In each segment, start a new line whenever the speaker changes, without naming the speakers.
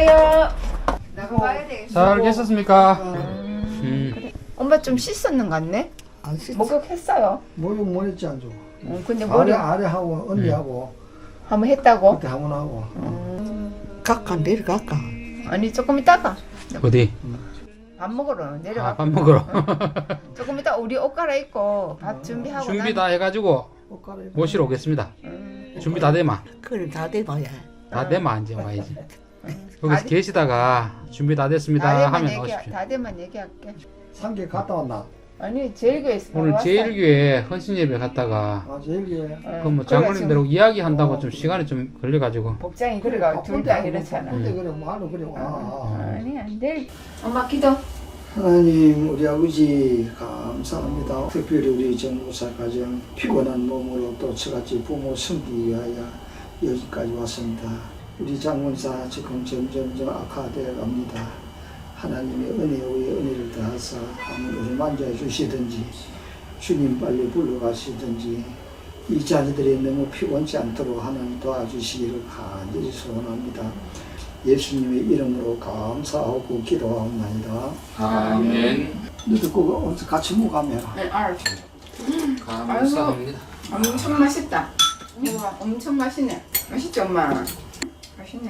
있어요. 나가봐야 되겠어.
잘 계셨습니까?
그래. 엄마 좀 씻었는 것 같네?
안 씻.
목욕했어요.
목욕 못 했지 안 줘.
근데 머리
아래 하고 언니하고
한번 했다고?
그때 한번 하고.
갈까 내려갈까?
아니 조금 이따가
어디?
밥 먹으러 내려가.
아, 밥 먹으러.
조금 이따 우리 옷 갈아입고 밥 준비하고
준비 다 해가지고
옷 갈아입고.
모시러 오겠습니다. 준비 다 되마.
그래 다 돼봐야.
다 되마 이제 와야지.
다
여기서
돼-
계시다가 준비 다 됐습니다 하면 오십시오.
다대만 얘기할게.
상계 갔다 왔나?
아니 제일교회에서
오늘
왔어요.
제일교회 헌신예배 갔다가
아 제일교회.
그럼 뭐 장로님들하고 이야기한다고 좀 시간이 좀 걸려가지고
복장이 그래가 둘 다 이렇잖아.
근데 그래 뭐하러 그래 와.
아니 안 돼. 엄마 기도.
하나님 우리 아버지 감사합니다. 특별히 우리 정무사 가정 피곤한 몸으로 또 저같이 부모 섬기기 위하여 여기까지 왔습니다. 우리 장문사 지금 점점 악화되어 갑니다. 하나님의 은혜 위에 은혜를 더하사 우리를 만져해 주시든지 주님 빨리 불러가시든지 이 자녀들이 너무 피곤치 않도록 하나님 도와주시기를 간절히 소원합니다. 예수님의 이름으로 감사하고 기도하옵나이다.
아멘.
너도 그거 어디서 같이 먹으면
네, 알았어.
감사합니다.
엄청 맛있다. 우와, 엄청 맛있네. 맛있지 엄마? 맛있네.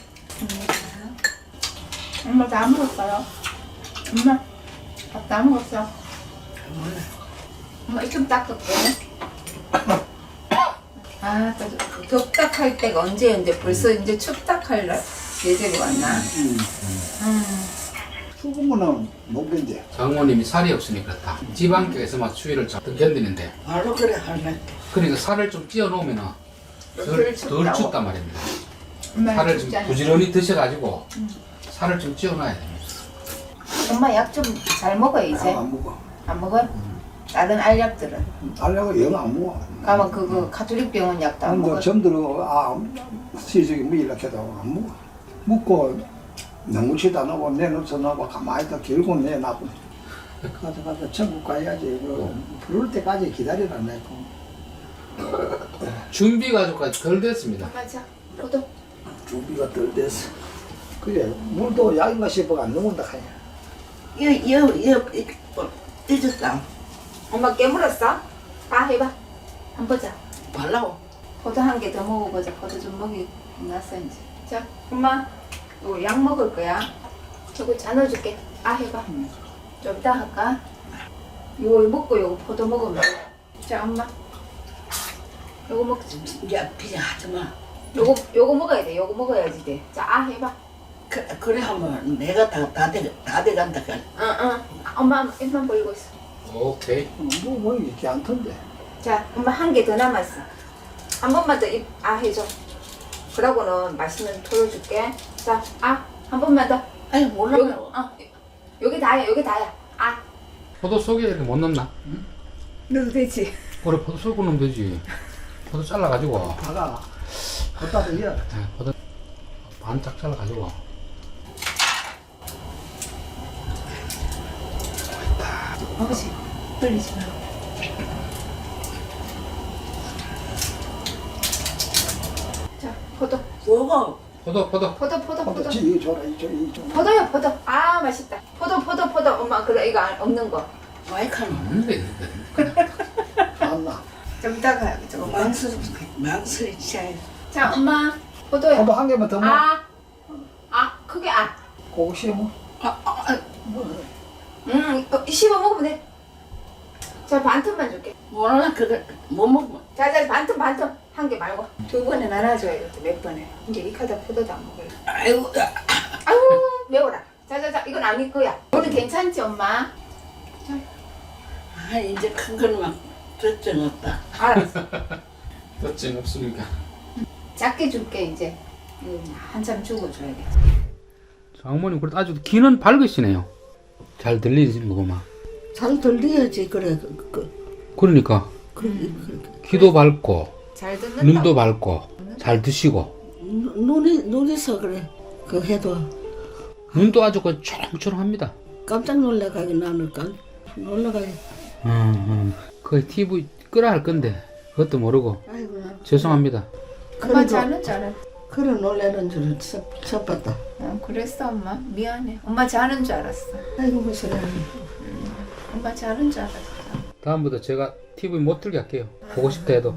엄마 다 먹었어요? 엄마 밥 다 먹었어? 엄마 좀 닦을게. 아, 덥다 할 때가 언제였는데 벌써 이제 춥다 할 예절이 왔나?
추운 거는 못 견뎌.
장모님이 살이 없으니까 그렇다. 지방격에서 막 추위를 좀 견디는데
바로 그래 할래.
그러니까 살을 좀 찌어 놓으면 덜 춥단 말입니다.
엄마
살을 좀
춥잖아.
부지런히 드셔가지고 살을 좀 찌어 놔야 됩니다.
엄마 약 좀 잘 먹어 이제.
안 먹어.
안 먹어요? 다른 알약들은?
달라고 영 안 먹어.
가면 그거 가톨릭 병원 약도 안
근데
먹어.
점들어 시적이 뭐 이렇게 해도 안 먹어. 먹고 너무치도 안 하고 내놓쳐 놓고 가만히 있다 결국 내놔고 가서 천국 가야지. 부를 때까지 기다리라 내고.
준비 가족까지 덜 됐습니다.
맞아. 포도.
준비가 덜 됐어. 그래 물도 약인가 싶어가 안 넘는다 하냐.
찢었다.
엄마 깨물었어? 봐 해봐. 한번 보자.
발라고.
포도 한 개 더 먹어보자. 포도 좀 먹이 났어 이제. 자, 엄마 이거 약 먹을 거야. 저거 나눠줄게. 아 해봐. 좀 이따 할까? 요거 먹고 요거 포도 먹으면. 자, 엄마. 요거 먹자.
야 그냥 하지 마.
요거 먹어야 돼. 요거 먹어야지 돼. 자, 아 해봐.
그래 하면 내가 다 돼간다.
응. 엄마 입만 벌리고 있어.
오케이.
뭐 이렇게 안 턴데.
자, 엄마 한 개 더 남았어. 한 번만 더 입 아 해줘. 그러고는 맛있는 토로 줄게. 자, 아 한 번만 더.
아니 몰라.
여기 다야, 여기 다야. 아,
포도 속에 이렇게 못 넣나?
넣어도 되지.
그래 포도 속에 넣으면 되지. 포도 잘라가지고
다가 걷다 대야.
포도 반짝 잘라가지고
아버지, 떨리지 마. 자, 포도.
뭐고?
포도
포도.
이거 줘라 이거 줘.
포도요, 포도. 아, 맛있다. 포도. 엄마, 그래, 이거 없는 거.
마이카노.
없는데
안나.
좀 이따가 저거
망설이 치아야.
자, 엄마, 포도요.
포도 한 개만 더 먹어.
크게 아.
그거 씹어.
씹어 먹으면 돼. 자, 반틈만 줄게.
몰라 그래 못 먹어.
자, 반틈. 한 개 말고. 두 번에 나눠줘야 돼, 몇 번에. 이제 이 카드 포도도 안 먹을래.
아이고
아유, 매워라. 자, 이건 아닐 거야. 오늘 괜찮지, 엄마?
아 이제 큰 거는 걱정 없다.
알았어.
덧증 없으니까.
작게 줄게, 이제. 이거 한참 주고 줘야겠지.
장모님 그래도 아주 귀는 밝으시네요. 잘 들리는 거구만.
잘 들려야지 그래.
그러니까 귀도 밝고
잘 듣는다.
눈도 밝고 잘 드시고
눈에서 그래. 그 해도
눈도 아주 그 초롱초롱합니다.
깜짝 놀라가게 나는 놀라가게.
그 TV 끄라 할 건데 그것도 모르고
아이고 나.
죄송합니다.
엄마 잘해.
그런 놀래는 줄은 처음 봤다.
그랬어 엄마. 미안해. 엄마 자는 줄 알았어.
아이고 무슨
엄마 자는 줄 알았어.
다음부터 제가 TV 못 틀게 할게요. 보고 싶다 해도.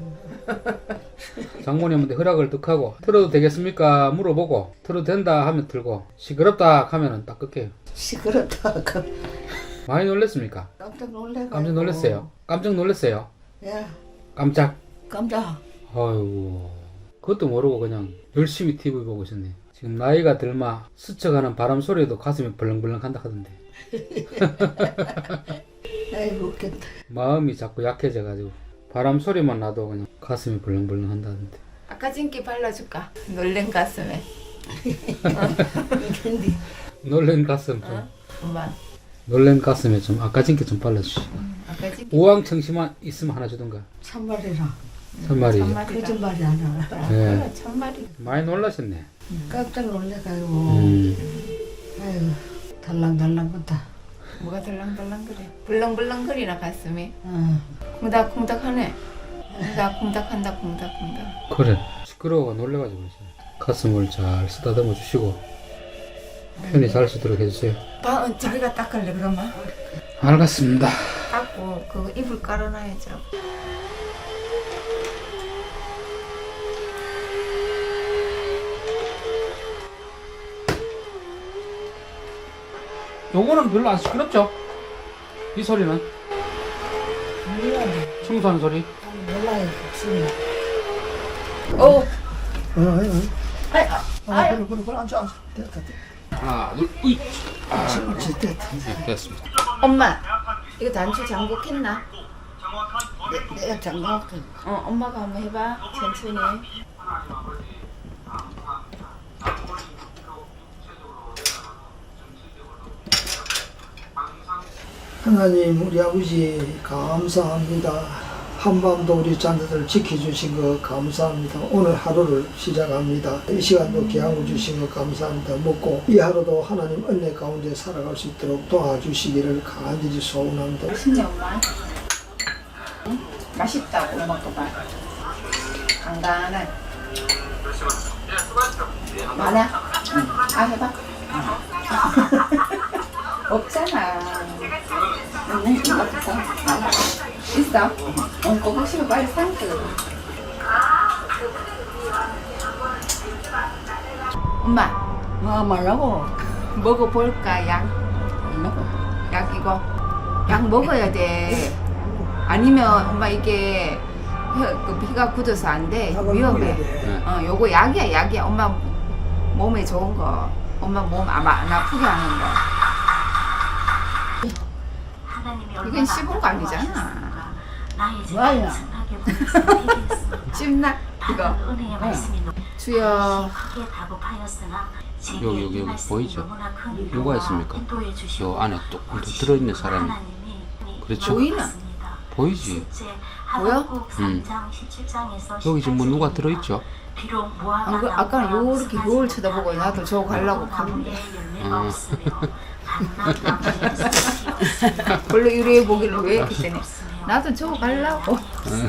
장모님한테 허락을 득하고 틀어도 되겠습니까? 물어보고 틀어도 된다 하면 틀고 시끄럽다 하면은 딱 끌게요.
시끄럽다.
많이 놀랬습니까?
깜짝 놀래가.
깜짝 놀랐어요. 깜짝 놀랐어요.
야
깜짝.
깜짝.
아이고 그것도 모르고 그냥 열심히 TV 보고 있었네. 지금 나이가 들마 스쳐가는 바람 소리에도 가슴이 벌렁벌렁 한다 하던데
아이고 웃겠다.
마음이 자꾸 약해져가지고 바람 소리만 나도 그냥 가슴이 벌렁벌렁 한다던데.
아까 찐기 발라줄까? 놀랜 가슴에.
근데
놀란 가슴 좀
엄마.
놀란 가슴에 좀 아까진게 좀 발라주시.
아까 찐기.
우왕청심만 있으면 하나 주던가.
참말이라.
참말이.
거짓말이 아니라.
예.
참말이.
많이 놀라셨네.
깜짝 놀래가지고. 아이고 달랑달랑 건다.
뭐가 덜렁덜렁거려. 벌렁벌렁거리나 가슴이.
어.
콩닥콩닥하네. 콩닥콩닥한다 콩닥콩닥.
그래 시끄러워 놀래가지고 이제 가슴을 잘 쓰다듬어 주시고 편히 잘 쓰도록 해주세요.
자기가 닦을래 그러면?
알겠습니다.
닦고 그거 이불 깔아놔야죠.
요거는 별로 안 시끄럽죠? 이 소리는
몰라요.
청소하는 소리.
몰라요. 없습니다.
오.
그래 앉아 됐다.
하나 둘 으이.
됐다.
됐습니다.
엄마 이거 단추 잠복했나?
내가 장난감.
엄마가 한번 해봐 천천히.
하나님 우리 아버지 감사합니다. 한밤도 우리 자녀들 지켜주신 거 감사합니다. 오늘 하루를 시작합니다. 이 시간도 기약을 주신 거 감사합니다. 먹고 이 하루도 하나님 은혜 가운데 살아갈 수 있도록 도와주시기를 간절히 소원합니다.
맛있네 엄마. 응? 맛있다고 먹어봐. 간간한. 많아? 아 해봐. 없잖아. 없어. 있어? 그거 싶으면 빨리 삼켜. 엄마
말라고.
먹어볼까 약? 약 이거 약 먹어야 돼. 아니면 엄마 이게 그 피가 굳어서 안 돼. 위험해.
네.
요거 약이야. 엄마 몸에 좋은 거. 엄마 몸 안 아프게 하는 거. 이건 씹은 거 아니잖아.
뭐야?
씹나? 이거. 주여.
여기 보이죠? 누가 있습니까? 요 안에 또 들어있는 사람이. 그렇죠?
보이나?
보이지?
보여?
여기 지금 뭐 누가 들어있죠?
아까는 요렇게 요를 쳐다보고 나도 저거 가려고 갔는데. 별로 유리해 보기를 왜 그때네. 나도 저거 가려고.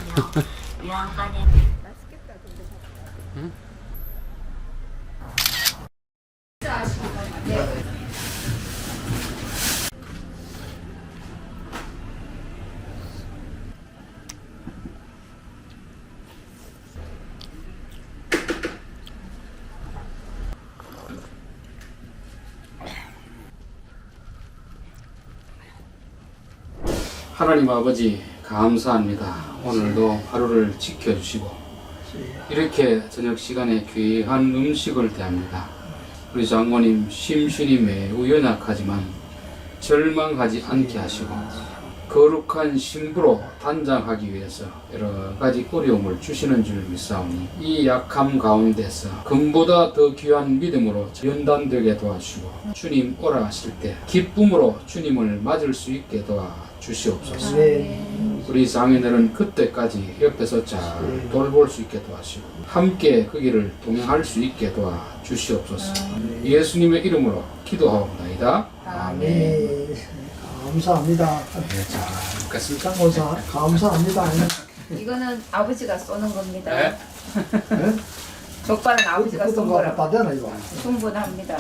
하나님 아버지 감사합니다. 오늘도 하루를 지켜주시고 이렇게 저녁 시간에 귀한 음식을 대합니다. 우리 장모님 심신이 매우 연약하지만 절망하지 않게 하시고 거룩한 신부로 단장하기 위해서 여러 가지 어려움을 주시는 줄 믿사오니 이 약함 가운데서 금보다 더 귀한 믿음으로 연단되게 도와주시고 주님 오라 하실 때 기쁨으로 주님을 맞을 수 있게 도와주시옵소서. 우리 장인들은 그때까지 옆에서 잘 돌볼 수 있게 도와주시고 함께 그 길을 동행할 수 있게 도와주시옵소서. 예수님의 이름으로 기도하옵나이다. 아멘.
네, 감사합니다.
네, 잘 먹겠습니다.
감사합니다.
이거는 아버지가 쏘는 겁니다.
네.
족발은 아버지가 쏜
거
거라고.
다 되나 이거?
충분합니다.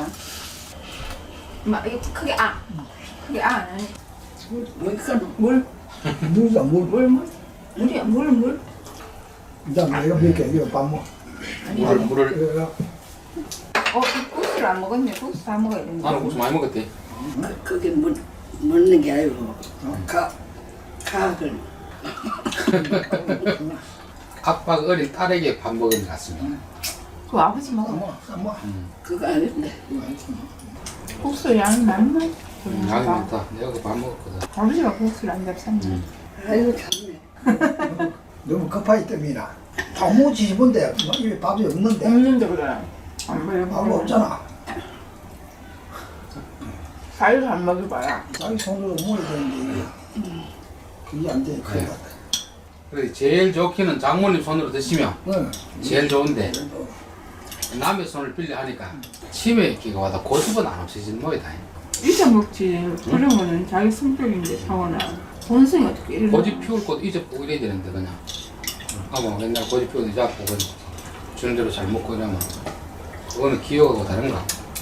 이거 크게 크게 아니. 물.
물이다 물.
물이야 물.
일단 내가 몇개 이거 밥 먹.
물을
국수를 안 먹었네. 국수 다 먹어야 되는데.
나는 국수 많이 먹었대.
그게 먹는 게 아니고 가글
각박 어린 딸에게 밥 먹은 것 같습니다.
그 아버지 먹어.
뭐.
그거 아닌데
국수 양이 많나?
양이 많다. 내가 그 밥 먹었거든.
아버지가 국수를 안 잡쌌네.
아이고 참네.
너무 급하기 때문이나. 너무 지집은데 이 밥이 없는데.
없는데 그래. 안 먹어.
밥이 없잖아.
살도 안 먹어봐야.
자기 손으로 먹어야 되는데 그게 안 돼. 큰일 났다.
그래 제일 좋기는 장모님 손으로 드시면
응.
제일 좋은데 남의 손을 빌려 하니까 치매 기가 와도 고집은 안 없어지는 모이다.
잊어먹지. 그러면은 자기 성격인데 상원아. 본성이 어떻게 이래?
고집 피울 곳 잊어보고 이래야 되는데 그냥 아뭐 맨날 고집 피우는 잡고 그냥 주는 대로 잘 먹고 이러면 그거는 기억하고 다른가?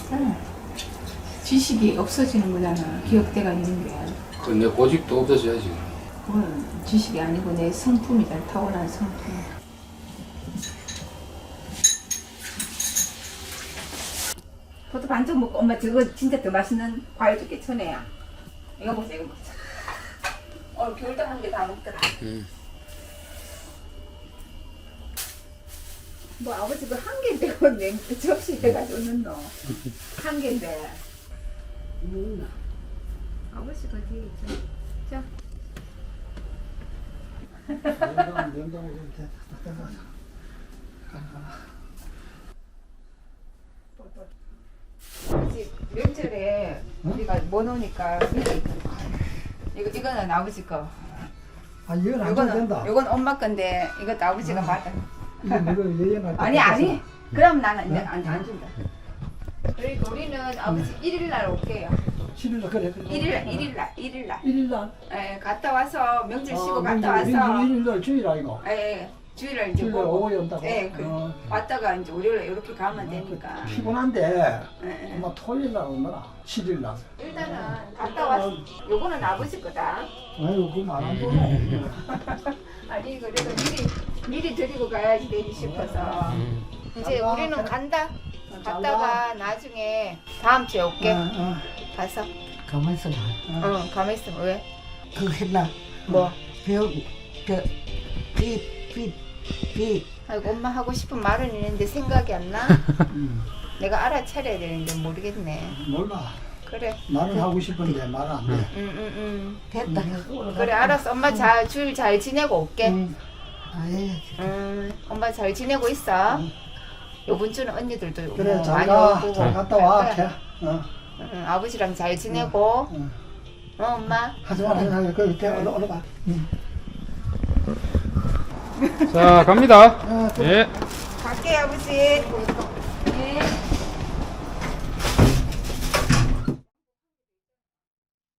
지식이 없어지는 거잖아. 기억대가 있는 게.
그건 내 고집도 없어져야지.
그건 지식이 아니고 내 성품이다. 타고난 성품. 포도 반쪽 먹고 엄마 저거 진짜 더 맛있는 과일 줄게 천혜야. 이거 보세요. 이거 보세요. 오늘 겨울도 한 개 다 먹더라. 뭐 아버지 그 한 개인데 그 접시 돼가지고 넣노. 한 개인데. 아버지 그 뒤에 있죠. 자.
냉장고 이렇게
아버지 명절에 우리가 뭐 넣으니까 이거는 아버지 거.
아 이건 안 줘도 된다.
요건 엄마 건데 이것도 아버지가 받아.
이거 얘기는
아니. 그럼 나는 이제 안 준다. 그리고 우리는 아버지 1일 날 올게요.
7일 그래.
1일 날.
1일 날.
예, 갔다 와서 명절 쉬고 갔다 와서
1일 날 주일 아이가.
예, 주일날 이제
주일
보고.
오후에 온다고.
예, 왔다가 이제 월요일에 이렇게 가면 되니까.
피곤한데
예.
아마 토요일 날 오느라 7일 날.
일단은 갔다 와서 요거는 아버지 거다.
아유 그거 말안 보노.
아니 그래도 미리 드리고 가야지 되지 싶어서 이제 우리는 간다. 갔다가 나중에 다음 주에 올게. 가서.
가만히 있어.
응, 가만히 있어. 왜?
그거 했나?
뭐?
비
아이고 엄마 하고 싶은 말은 있는데 생각이 안 나. 내가 알아차려야 되는데 모르겠네.
몰라.
그래.
말은 하고 싶은데 말은 안 돼.
응.
됐다.
그래 알았어. 엄마 줄 잘 지내고 올게.
아예
엄마 잘 지내고 있어. 요번 주는 언니들도
그래
뭐
잘
많이
가.
오고
잘 갔다 와.
갈 거야. 응, 아버지랑 잘 지내고. 엄마.
하지 마라. 그 올라가.
자 갑니다. 예.
갈게 아버지. 네.